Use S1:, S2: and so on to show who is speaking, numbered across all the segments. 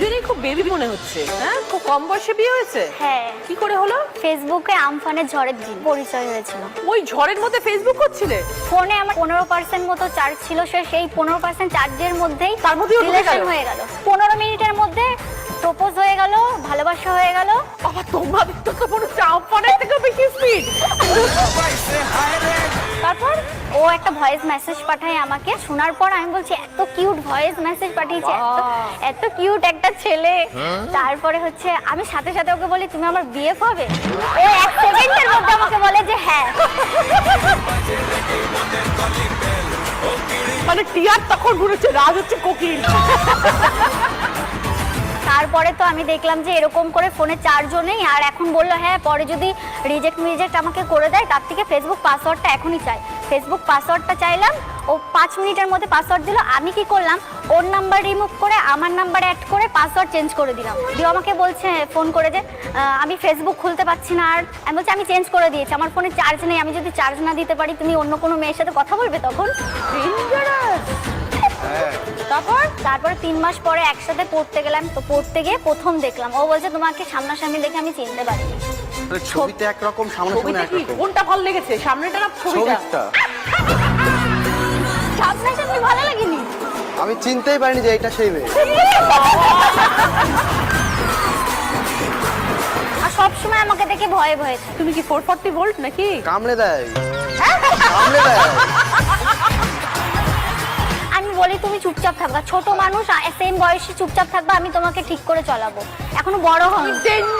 S1: দুজনেই খুব বেবি মনে হচ্ছে। হ্যাঁ, খুব কম বয়সে বিয়ে হয়েছে।
S2: হ্যাঁ।
S1: কি করে হলো?
S2: ফেসবুকে আমফানের ঝড়ের দিন পরিচয় হয়েছিল।
S1: ওই ঝড়ের মধ্যে ফেসবুক করছিলে?
S2: ফোনে আমার 15% মতো চার্জ ছিল, সেই 15% চার্জের মধ্যেই
S1: তার মধ্যেই
S2: রিলেশন হয়ে গেল। 15 মিনিটের মধ্যে প্রপোজ হয়ে গেল, ভালোবাসা হয়ে গেল।
S1: বাবা, তোমাদের তো মনে হচ্ছে আমফানের থেকে বেশি স্পিড।
S2: তারপর ও একটা ভয়েস মেসেজ পাঠায় আমাকে। শোনার পর আমি বলছি এত কিউট ভয়েস মেসেজ পাঠিয়েছে, এত কিউট একটা ছেলে। তারপরে হচ্ছে আমি সাথে সাথে ওকে বলি তুমি আমার বিয়ে হবে। ও 1 সেকেন্ডের মধ্যে আমাকে বলে যে হ্যাঁ।
S1: মানে টিয়ার তখন ঘুরেছে, রাজ হচ্ছে কোকিল।
S2: তারপরে তো আমি দেখলাম যে এরকম করে ফোনে চার্জও নেই। আর এখন বললো হ্যাঁ পরে যদি রিজেক্ট আমাকে করে দেয়, তার থেকে ফেসবুক পাসওয়ার্ডটা এখনই চাই। ফেসবুক পাসওয়ার্ডটা চাইলাম, ও 5 মিনিটের মধ্যে পাসওয়ার্ড দিল। আমি কি করলাম, ওর নাম্বার রিমুভ করে আমার নাম্বার অ্যাড করে পাসওয়ার্ড চেঞ্জ করে দিলাম। দিয়ে আমাকে বলছে ফোন করে যে আমি ফেসবুক খুলতে পারছি না। আর আমি বলছি আমি চেঞ্জ করে দিয়েছি, আমার ফোনে চার্জ নেই, আমি যদি চার্জ না দিতে পারি তুমি অন্য কোনো মেয়ের সাথে কথা বলবে তখন। তারপরে 3 মাস পরে একসাথে পড়তে গেলাম। তো পড়তে গিয়ে প্রথম দেখলাম, ও বলছে তোমাকে সামনাসামনি দেখে আমি চিনতে পারিনি।
S3: ছবিতে একরকম, সামনাসামনি একরকম।
S1: কোনটা ভালো লেগেছে, সামনেটা না ছবিটা?
S2: সামনাসামনি ভালো লাগেনি,
S3: আমি চিনতেই পারিনি যে এটা সেই মেয়ে।
S2: আর সবসময় আমাকে দেখে ভয়ে ভয়ে।
S1: তুমি কি 440 ভোল্ট নাকি?
S3: কামড়ে দেয়, কামড়ে দেয়।
S2: আমি বলি তুমি চুপচাপ থাকবা, ছোট মানুষ সেম বয়সে চুপচাপ থাকবা, আমি তোমাকে ঠিক করে চলাবো। এখনো বড় হয়নি,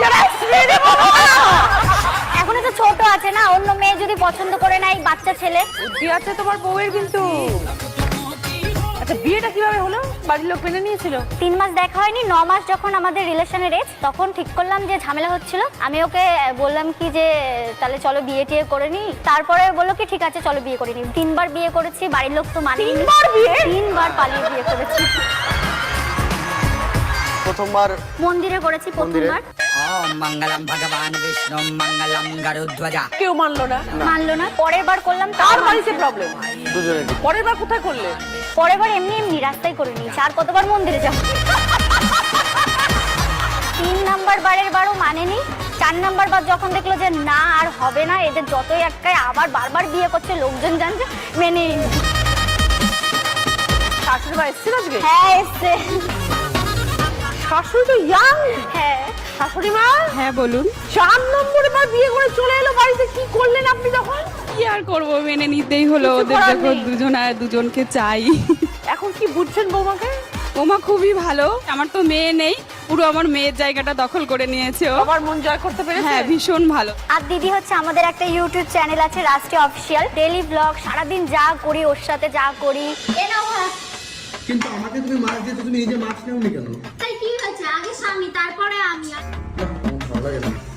S2: এখনো তো ছোট আছে না, অন্য মেয়ে যদি পছন্দ করে না, এই বাচ্চা ছেলে।
S1: বুদ্ধি আছে তোমার বউয়ের কিন্তু। আচ্ছা, বিয়েটা কিভাবে হলো? বাড়ির লোক মেনে নিয়েছিল?
S2: 3 মাস দেখা হয়নি, 9 মাস যখন আমাদের রিলেশনের এজ, তখন ঠিক করলাম যে ঝামেলা হচ্ছিল। আমি ওকে বললাম কি যে তাহলে চলো বিয়ে টিয়ে করে নি। তারপরে বললো কি ঠিক আছে চলো বিয়ে করে নি। 3 বার বিয়ে করেছি, বাড়ির লোক তো মানেনি। 3 বার পালিয়ে বিয়ে করেছি।
S3: প্রথমবার
S2: মন্দিরে করেছি, প্রথমবার।
S4: ওম মঙ্গলম ভগবান বিষ্ণু মঙ্গলম গরুধ্বজা।
S1: কেউ মানলো না?
S2: মানলো না। পরের বার করলাম,
S1: তার বাড়িতে প্রবলেম।
S3: দুজনে।
S1: পরের বার কোথায় করলে?
S2: পরের বার এমনি এমনি রাস্তায় করে নিয়েছি। আর কতবার মন্দিরে যাবো? 3 নাম্বার বারের বারও মানেনি। 4 নাম্বার বার যখন দেখলো যে না আর হবে না, এদের যতই একটাই আবার বারবার বিয়ে করছে, লোকজন জানছে, মেনে নিল।
S1: শাশুড়ি মা এসেছিল আজকে?
S2: হ্যাঁ এসছে।
S1: শাশুড়ি তো ইয়াং।
S2: হ্যাঁ।
S1: শাশুড়ি মা?
S5: হ্যাঁ বলুন।
S1: 4 নম্বরে বার বিয়ে করে চলে এলো বাড়িতে, কি করলেন আপনি তখন?
S5: কি আর করবো, মেনে নিতেই হলো।
S1: কিছু
S5: ওদের
S1: করার
S5: যখন
S1: নেই।
S5: দুজন আর দুজনকে চাই।
S1: এখন কি বুঝছেন বৌমাকে?
S5: ওমা খুবই ভালো। আমার তো মেয়ে নেই, পুরো আমার মেয়ের জায়গাটা দখল করে নিয়েছে ও।
S1: সবার মন জয় করতে পেরেছে?
S5: হ্যাঁ ভীষণ ভালো।
S2: আর দিদি হচ্ছে আমাদের একটা ইউটিউব চ্যানেল আছে রাষ্ট্রীয় অফিসিয়াল, ডেইলি ব্লগ, সারাদিন যা করি ওর সাথে যা করি।
S6: কিন্তু আমাকে তুমি মাছ দিতে, তুমি নিজে মাছ নেওনি কেন?
S2: তাই কি হয়েছে, আগে স্বামী তারপরে আমি।
S6: ভালো লাগে না।